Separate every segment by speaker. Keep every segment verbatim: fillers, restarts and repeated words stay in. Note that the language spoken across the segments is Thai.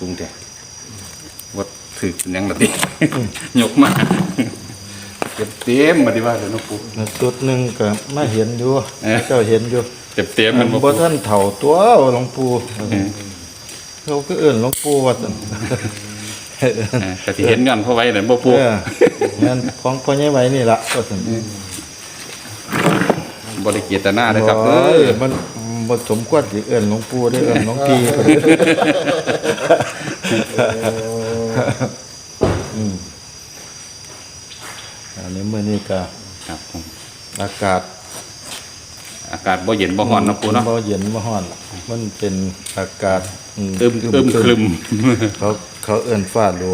Speaker 1: จุงแต่วัดถือยังแบบนี้ยกมาเต็มเต็มมาดีว่าเลยน้องปู
Speaker 2: จุดหนึ่งก็มาเห็นอยู่เจ้าเห็นอยู่
Speaker 1: เต็มเต็มมัน
Speaker 2: บ่ท่านเถ่าตัวหลวงปู่เขาก็เอื่นหลวงปู่ว่าซั่น
Speaker 1: แต่ที่เห็นกันเพราะไว้เนี่ยบ่ปู
Speaker 2: งั้นของพ่อใหญ่ไว้นี่ล่ะว่าซั่น
Speaker 1: บ่ได้เจตนาเด้อครับเอ้ย
Speaker 2: มันบ่สมควรสิเอื่นหลวงปู่ได้เอื่นหลวงพี่อืมอันนี้มื้อนี้ก็
Speaker 1: ครับผม
Speaker 2: อากาศ
Speaker 1: อากาศบ่เย็นบ่ร้อนนะปูเนาะ
Speaker 2: บ่เย็นบ่ร้อนมันเป็นอากาศ
Speaker 1: อึมอึมครึม
Speaker 2: เขาเขาเอิ้นฟ้าหลัว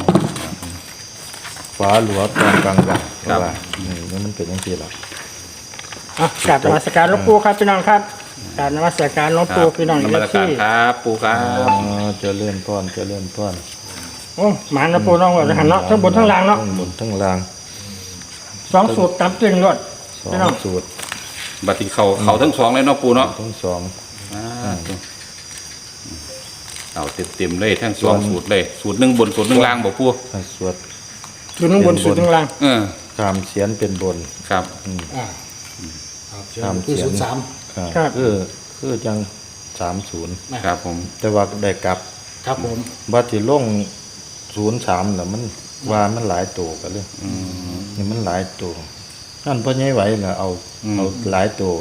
Speaker 2: ฟ้าหลัวตอนกลางวันว่านี่มันเป็นจังซี่ล่ะ
Speaker 3: อ่ะกราบนมัสการหลวงปู่ครับพี่น้องครับกราบนมัสการหลวงปู่พี่น้อง
Speaker 1: นมัสการครับปู่ครับ
Speaker 2: อ๋อเจริญพรเจริญพร
Speaker 3: โอ้หมาหลวงปู่น้องว่าหันเนาะทั้งบนทั้งล่างเนาะ
Speaker 2: ทั้งบนทั้งล่าง
Speaker 3: สองสูตรตามจริงรวด
Speaker 2: พี่น้องสูตร
Speaker 1: บัดนี้เขาเขาทั้งสองเลยเนาะปู่เนาะ
Speaker 2: ทั้งสอง
Speaker 1: เอาเต็มๆเลยทั้งสองสูตรเลยสูตรหนึ่งบนสูตรหนึ่งล่างบอกปู่
Speaker 2: สวด
Speaker 3: สูตรหนึ่งบนสูตรหนึ่งล่าง
Speaker 1: เออ
Speaker 2: ตามเสียนเป็นบน
Speaker 1: ครับ
Speaker 4: อ่าตามที่ศูนย์สาม
Speaker 2: ครับคือคือจังสามศูนย์
Speaker 1: ครับผม
Speaker 2: แต่ว่าได้กลับ
Speaker 4: ครับผม
Speaker 2: บัดที่ลงศูนย์สามน่ะมันว่ามันหลายตัวกันเลยนี่มันหลายตัวนั่นพ่อใหญ่ไหวน่ะเอาเอาหลายตัว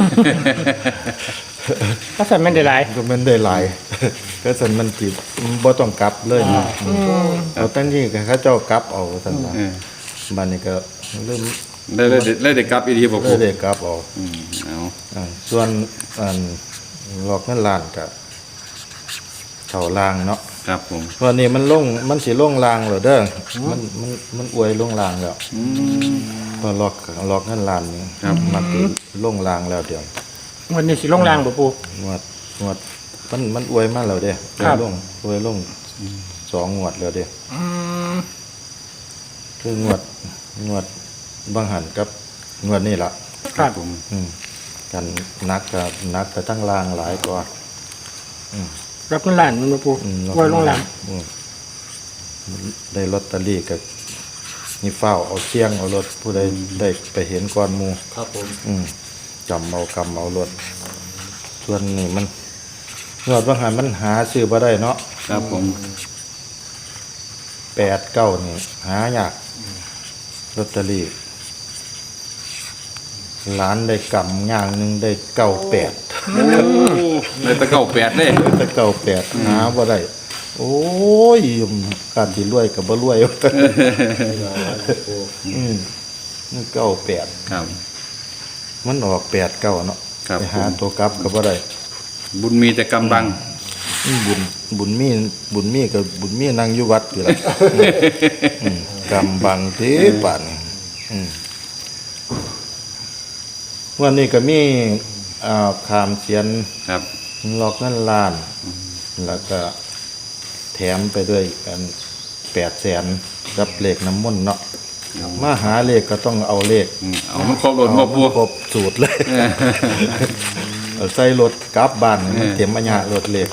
Speaker 3: ก็สั่นมันได้หลาย
Speaker 2: ก็มันได้หลายก็สั่นมันจิตบ่ต้องกลับเลยนะเอาตั้งที่เขาเจ้ากลับเอาสั่นว่าบัดนี้ก็เริ่ม
Speaker 1: ได้ได้ได้ได้กลับอีดีบ่ปู่
Speaker 2: ได้กลับเอา
Speaker 1: อืมเอา
Speaker 2: ส่วนอันหลอกเงินล้านก็เท่าล่างเนาะ
Speaker 1: ครับผม
Speaker 2: วันนี้มันลงมันสิลงล่างแล้วเด้อมันมันมันอวยลงล่างแล้ว
Speaker 1: อืม
Speaker 2: พอหลอกหลอกเงินล้านนี่มันสิลงล่างแล้วเดี๋ยว
Speaker 3: วันนี้สิลงล่างบ่ปู่
Speaker 2: งวดงวดมันมันอวยมาแล้วเด้อลงอวยลงสองงวดแล้วเด้อ
Speaker 3: อืม
Speaker 2: คืองวดงวดบางหันกับงวดนี้ล่ะ
Speaker 3: ครับ
Speaker 2: ผมอืมกันนักก็นักก็ทั้งล่างหลายกว่าอืม
Speaker 3: รับเงินล้านมันบ่ปู่ไว้ลงล่าง
Speaker 2: ได้ลอตเตอรี่ก็นี่เฝ้าเอาเสี่ยงเอารถผู้ใดได้ไปเห็นก่อนหมู่
Speaker 4: ครับผม
Speaker 2: อืมจำเอากำเอารถส่วนนี้มันงวดบางหันมันหาซื้อบ่ได้เนาะ
Speaker 1: ครับผม
Speaker 2: แปดเก้านี่หายากลอตเตอรี่ล้านได้กำอย่างหนึ่งได้เก้าแปด
Speaker 1: ได้ตะเก้าแปดเลย
Speaker 2: ตะเก้าแปดหาบ่ได้โอ้ยการที่รวยกับบ่รวยอืมนี่เก้าแปด
Speaker 1: ครับ
Speaker 2: มันออกแปดเก้าเนาะไปหาตัวกลับก็บ่ได้
Speaker 1: บุญมีแต่กำบัง
Speaker 2: บุญบุญมีบุญมีกับบุญมีนั่งอยู่วัดอยู่ล่ะกำบังเทปานอืมวันนี้ก็มีอ่าขามเสียน
Speaker 1: ครับ
Speaker 2: หลอกเงินล้านแล้วก็แถมไปด้วยกันแปดแสนกับเลขน้ำมนต์เนาะมาหาเลขก็ต้องเอาเลข
Speaker 1: เอามันครบรถบ่ปู่
Speaker 2: ครบสูตรเลยเอาใส่รถกลับบ้านมันเต็มอัญญารถเลข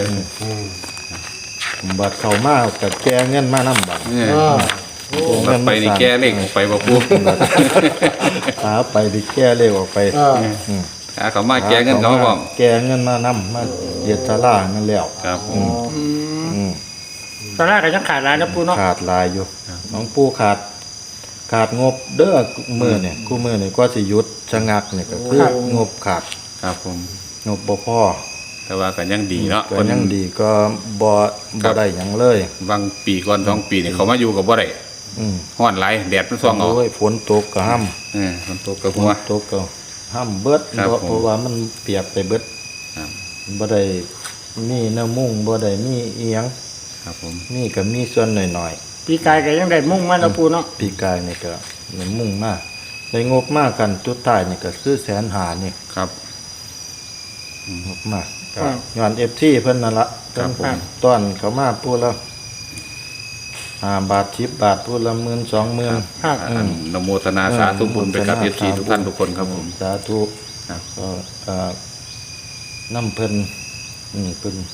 Speaker 2: บัดเข้ามาก็แก้เงินมานำบัด
Speaker 1: บัดไปนี่แก้เลขออกไปบ่ปู่
Speaker 2: หาไปดิแก้เลขออกไป
Speaker 1: อืมหาเขามาแก้เงินเขาพร้อม
Speaker 2: แก้เงินมานำมาเฮ็ดศาลานั่นแล้ว
Speaker 1: ครับ
Speaker 2: อืมอืม
Speaker 3: ตอนแรกก็ยังขาดหลายนะปู่เนาะ
Speaker 2: ขาดหลายอยู่น้องปู่ขาดขาดงบเด้อมื้อนี่คู่มื้อนี่ก็สิหยุดชะงักนี่ก็คืองบขาด
Speaker 1: ครับผม
Speaker 2: งบบ่พอ
Speaker 1: แต่ว่าก็ยังดีเนาะ
Speaker 2: ก็ยังดีก็บ่บ่ได้หยังเลย
Speaker 1: บางปีก่อนสองปีนี่เขามาอยู่ก็บ่ได้
Speaker 2: อืม
Speaker 1: ร้อนหลายแดดมันส่องเอา
Speaker 2: โอ้ยฝนตกก็ห้ำ
Speaker 1: เออฝนตกก็หัว
Speaker 2: ตกก็ห้ำเบิดเพราะว่ามันเปียกไปเบิด
Speaker 1: ครับ
Speaker 2: บ่ได้มีเนื้อมุ้งบ่ได้มีอีหยัง
Speaker 1: ครับผม
Speaker 2: มีก็มีส่วนหน่อย
Speaker 3: ๆปีกายก็ยังได้มุ่งมาแล้วปู่เนาะ
Speaker 2: ปีกายนี่ก็ได้มุ่งมาได้งบมากันจุดท้ายนี่ก็คือแสนห้านี่
Speaker 1: ครับ
Speaker 2: งบมาก็ย้อน เอฟ ที เพิ่นนั่นล่ะ
Speaker 1: ครับผม
Speaker 2: ต้อนเขามาพูดแล้วห้าบาทสิบบาทพูดละหมื่น สองหมื่น
Speaker 1: ครับนโมทนาสาธุบุญไปกับ เอฟ ซี ทุกท่านทุกคนครับผม
Speaker 2: สาธุ
Speaker 1: ครับ
Speaker 2: ก็เอ่อน้ำเพิ่นอืมเพิ่นเพิ่น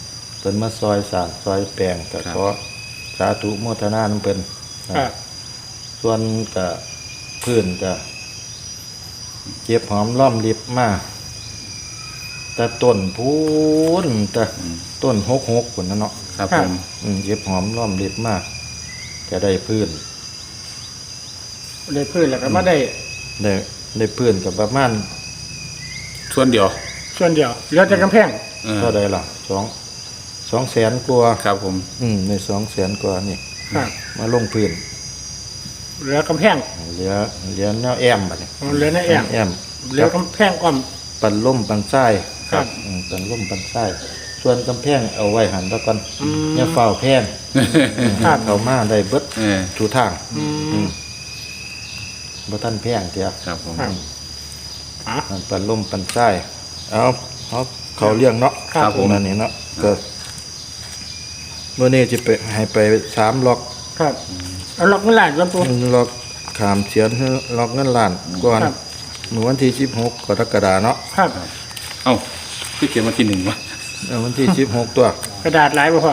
Speaker 2: พิ่นมาซอยสร้างซอยแปลงก็ขอสาธุโมทนานํเพิ่น
Speaker 3: ครับ
Speaker 2: ส่วนก็พื้นก็เก็บหอมล้อมริบมาแต่ต้นพูนแต่ต้นหกหกพุ่นน่ะเนาะ
Speaker 1: ครับผม
Speaker 2: อืมเก็บหอมล้อมริบมากจะได้พื้น
Speaker 3: ได้พื้นแล้วก็มาได้
Speaker 2: ได้ได้พื้นกับประมาณ
Speaker 1: ส่วนเดียว
Speaker 3: ส่วนเดียวเหลือแต่กำแพง
Speaker 1: เออ
Speaker 2: เท่าใดล่ะสองสองแสนกว่า
Speaker 1: ครับผม
Speaker 2: อืมในสองแสนกว่านี่
Speaker 3: ครับ
Speaker 2: มาลงพื้น
Speaker 3: เหลือกำแพง
Speaker 2: เหลือเหลือแนวแอมบัดนี้
Speaker 3: เหลือในแอ่ง
Speaker 2: แอม
Speaker 3: เหลือกำแพงอ้อม
Speaker 2: ปันล่มปันไส้
Speaker 3: ครับ
Speaker 2: อืมปันล่มปันไส้ส่วนกำแพงเอาไว้หันตะก่อน
Speaker 3: อืม
Speaker 2: อย่าเฝ้าแพง
Speaker 3: ครับ
Speaker 2: เข้ามาได้เบิด
Speaker 1: เออ
Speaker 2: ทุกทาง
Speaker 3: อืม
Speaker 2: บ่ทันแพงเตีย
Speaker 1: ครับผม
Speaker 3: ครับอ่ะ
Speaker 2: มันปันล่มปันไส้เอาเอาเขาเลี้ยงเนาะ
Speaker 3: ครับผม
Speaker 2: นั่นนี่เนาะก็มื้อนี้สิไปให้ไปสามล็อก
Speaker 3: ครับเอาล็อกเงินล้านครับปู
Speaker 2: ล็อกขามเสียนให้ล็อกเงินล้านก่อน
Speaker 3: ครับ
Speaker 2: เมื่อวันที่สิบหกกรกฎาเนาะ
Speaker 3: ครับ
Speaker 1: เอ้าพี่เขียนมาที่หนึ่งวะ
Speaker 2: เอาวันที่สิบหกตัว
Speaker 3: กระดาษหลายบ่พ่อ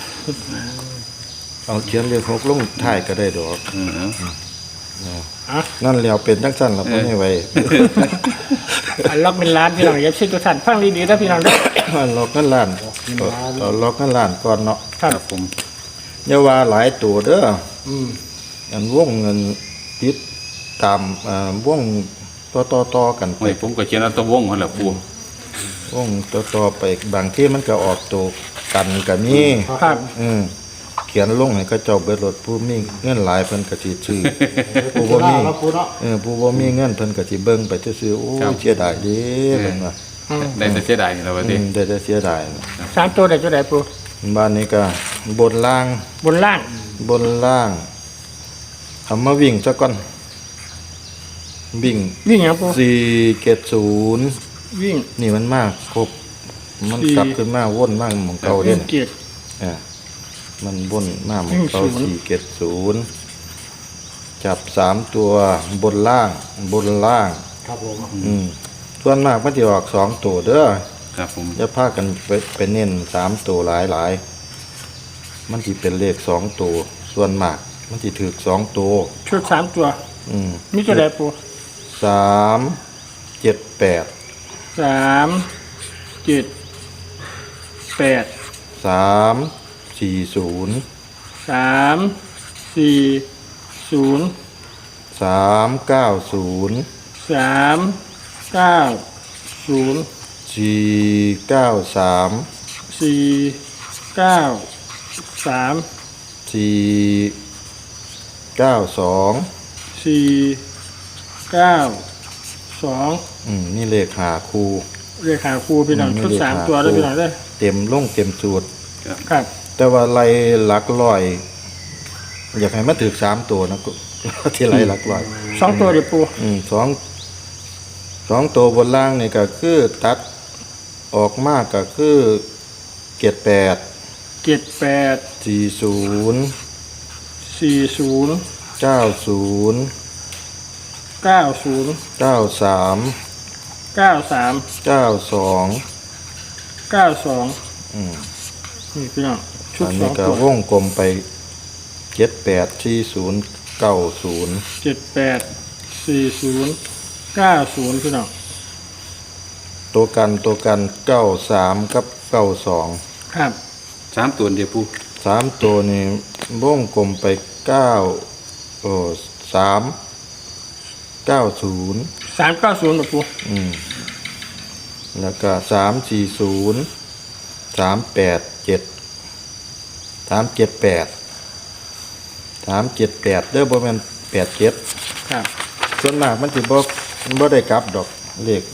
Speaker 2: เอาเขียนเลขหกลงท้ายก็ได้ดอก
Speaker 1: เออเอา
Speaker 3: อ่ะ
Speaker 2: นั่นแล้วเป็นจังซั่นล่ะบ่ให้ไว้
Speaker 3: อันล็อกเป็นล้านพี่น้องอย่าชิดทุกท่านฟังดีๆนะพี่น้องเด้อ
Speaker 2: ล็อกเงินล้านเอาล็อกเงินล้านก่อนเนาะ
Speaker 3: ครับ
Speaker 1: ครับผม
Speaker 2: อย่าว่าหลายตัวเด้อ
Speaker 3: อืม
Speaker 2: อันวงเงินติดตามอ่าวงต่อๆๆกันไป
Speaker 1: โอ้ยผมก็เขียนเอาตัววงนั่นแหละปู
Speaker 2: วงต่อๆไปบางที่มันก็ออกตัวกันก็มี
Speaker 3: ครับ
Speaker 2: อืมเขียนลงให้เขาเจ้าเบิดรถผู้มีเงินหลายเพิ่นก็สิซื้อ ผู้บ่มี
Speaker 4: แล้วปูเนาะ
Speaker 2: เออผู้บ่มีเงินเพิ่นก็สิเบิ่งไปซื่อๆโอ้ยเสียดายเด้เพิ่นว่า
Speaker 1: ได้แต่เสียดายนี่แหละวะ
Speaker 2: อื
Speaker 1: ดิ
Speaker 2: มได้แต่เสียดายนะ
Speaker 3: สามตัวได้ตัวใดปู
Speaker 2: บ้านนี้ก็บนล่าง
Speaker 3: บนล่าง
Speaker 2: บนล่างเอามาวิ่งซะก่อนวิ่ง
Speaker 3: วิ่งหยังปู
Speaker 2: สี่เจ็ดศูนย์
Speaker 3: วิ่ง
Speaker 2: นี่มันมากครบมัน
Speaker 3: สี่
Speaker 2: กลับขึ้นมาวนมากหมองเก่า
Speaker 3: วิ่
Speaker 2: เด่
Speaker 3: ง
Speaker 2: น
Speaker 3: เกียรติ
Speaker 2: อ่ามันวนมากหมองเก่า
Speaker 3: วิ่งศูนย์
Speaker 2: สี่เจ็ดศูนย์จับสามตัวบนล่างบนล่าง
Speaker 4: ครับผม
Speaker 2: อืมส่วนมากมันจะออกสองตัวเด้อ
Speaker 1: ครับผม
Speaker 2: อย่าพากันไปไปเน้นสามตัวหลายหลายๆมันที่เป็นเลขสองตัวส่วนมาก มันที่ถือสองตัว
Speaker 3: ชุดสามตัว
Speaker 2: อืม
Speaker 3: มีตัวใดปู
Speaker 2: สามเจ็ดแปด
Speaker 3: สามเจ็ดแปด
Speaker 2: สามสี่ศูนย์
Speaker 3: สามสี่ศูนย์
Speaker 2: สามเก้าศูนย์
Speaker 3: สามเก้าศูนย์
Speaker 2: สี่เก้าสาม
Speaker 3: สี่เก้าสาม
Speaker 2: สี่เก้าสอง
Speaker 3: สี่เก้าสอง
Speaker 2: อืมนี่เลขหาคู
Speaker 3: เรียกหาครูพี่น้อง
Speaker 2: อืม
Speaker 3: ชุด
Speaker 2: เลข
Speaker 3: สาม
Speaker 2: หา
Speaker 3: ตัวด้วย
Speaker 2: ครู
Speaker 3: พี่น้องเด้อ
Speaker 2: เต็มลงเต็มสูตร
Speaker 3: ครับ
Speaker 2: แต่ว่าไล่หลักร้อย อยากให้มาถึกสามตัวนะ กู ที่ไล่หลักร้อย
Speaker 3: สองตัวเดี๋ยวปู
Speaker 2: อืมสองสองตัวบนล่างนี่ก็คือตัดออกมากก็คือเกียรแปด
Speaker 3: เจ็ดแปด
Speaker 2: สี่ศูนย์
Speaker 3: สี่ศูนย์
Speaker 2: เก้าศูนย์
Speaker 3: เก้าศูนย์
Speaker 2: เก้าสาม
Speaker 3: เก้าสาม
Speaker 2: เก้าสอง
Speaker 3: เก้าสอง
Speaker 2: อืม
Speaker 3: นี่พี่น้องชุด
Speaker 2: อัน
Speaker 3: สอ
Speaker 2: นี้
Speaker 3: ง
Speaker 2: ก็
Speaker 3: ตัว
Speaker 2: วงกลมไปเจ็ดแปดสี่ศูนย์เก้าศูนย์
Speaker 3: เจ็ดแปดสี่ศูนย์เก้าศูนย์พี่น้อง
Speaker 2: ตัวกันตัวกันเก้าสามกับเก้าสอง
Speaker 3: ครับ
Speaker 1: สามตัวเดียวปู
Speaker 2: สามตัวนี่วงกลมไปเก้าโอ้สามเก้าศูนย์
Speaker 3: สามเก้าศูนย์ปู
Speaker 2: อืมแล้วก็สามสี่ศูนย์สามแปดเจ็ดสามเจ็ดแปดสามเจ็ดแปดเด้อบ่แม่นแปดเจ็ด
Speaker 3: ครับ
Speaker 2: ส่วนมากมันสิบ่บ่ได้กลับดอกเลข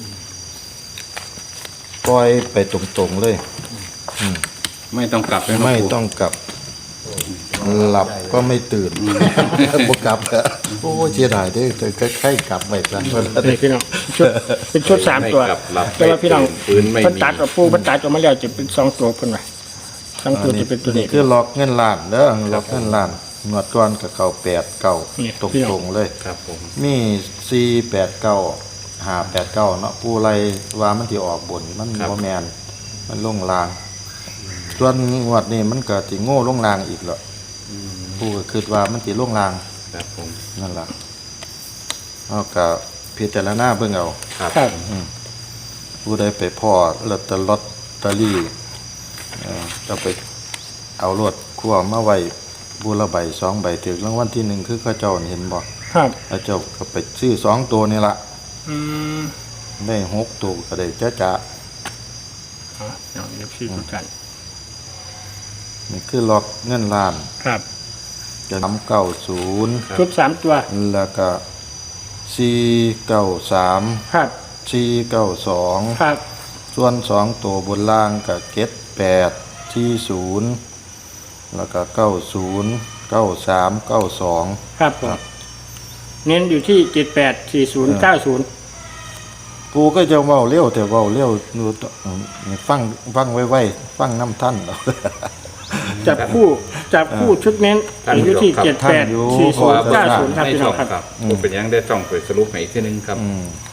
Speaker 2: ปล่อยไปตรงๆเลย
Speaker 1: ไม่ต้องกลับเลยเนาะ
Speaker 2: ไม่
Speaker 1: ปู
Speaker 2: ต้องกลับ หลับก็ไม่ตื่นบ่กลับอะโอ้เสียดายเด้อแต่ก็ใครกลับไปซะ
Speaker 3: นี่พี่น้องชุดเป็นชุดสามตัว
Speaker 1: ไม่กลับหลับ
Speaker 3: แต่ว่าพี่น้อง
Speaker 1: ปืนไม่
Speaker 3: เพิ่น
Speaker 1: มี
Speaker 3: ตัดกับปูเพิ่นตัดออกมาแล้วจะเป็นสองตัวเพิ่นว่าสองตัวจะเป็นตัวนี้
Speaker 2: คือล็อกเงินล้านเด้อล็อกเงินล้านงวดก่อนก็เข้าแปดเก้า
Speaker 3: นี่
Speaker 2: ตรง
Speaker 3: พี่น้อง
Speaker 2: ตรงๆเลย
Speaker 1: ครับผม
Speaker 2: มีสี่แปดเก้าห้าแปดเก้าเนาะผู้ไรว่ามันที่ออกบนมันบ่แมนมันลงลางส่วนงวดนี้มันก็สิโง่ลงรางอีกแล้วผู้ก็คิดว่ามันสิลงราง
Speaker 1: ครับผม
Speaker 2: นั่นล่ะเอาก็พิจารณาเบิ่งเอา
Speaker 1: ครับ
Speaker 3: ครับ
Speaker 2: ผู้ใดไปพ่อลอตเตอรี่ลอตเตอรี่เอ่อจะไปเอารถคั่วมาไว้บูละใบสองใบถึงรางวัลที่หนึ่งคือเข้าเจ้าเห็นบ่
Speaker 3: ครับ
Speaker 2: เข้าเจ้าก็ไปซื้อสองตัวนี่ละ
Speaker 3: อืม
Speaker 2: ได้หกตัวก็ได้จ้าจ้า
Speaker 3: อ๋อน้องเอฟซีทุกท่าน
Speaker 2: นี่คือล็อกเงินล้าน
Speaker 3: ครับ
Speaker 2: จะนำเก้าศูนย์
Speaker 3: ชุดสามตัว
Speaker 2: แล้วก็สี่เก้าสาม
Speaker 3: ครับ
Speaker 2: สี่เก้าสอง
Speaker 3: ครับ
Speaker 2: ส่วนสองตัวบนล่างก็เก็ดแปดสี่ศูนย์แล้วก็เก้าศูนย์เก้าสามเก้าสอง
Speaker 3: ครับผมเน้นอยู่ที่เจ็ดแปดสี่ศูนย์เก้าศูนย์
Speaker 2: กูก็จะเว้าเร็วแต่เว้าเร็วดูฟังฟังไว้ไว้ฟังน้ำท่านเอา
Speaker 3: จับคู่จับคู่ชุดเน้นอยู่ที่เจ็ดแปดสี่ศูนย์เก้าศูนย์ครับ
Speaker 1: ใน
Speaker 3: พี่น้
Speaker 1: ช่
Speaker 3: อ
Speaker 1: อง ง
Speaker 3: ครับ
Speaker 1: ครับผมเป็นยังได้ช่องไปสรุปให้อีกทีหนึงครับ
Speaker 2: อืม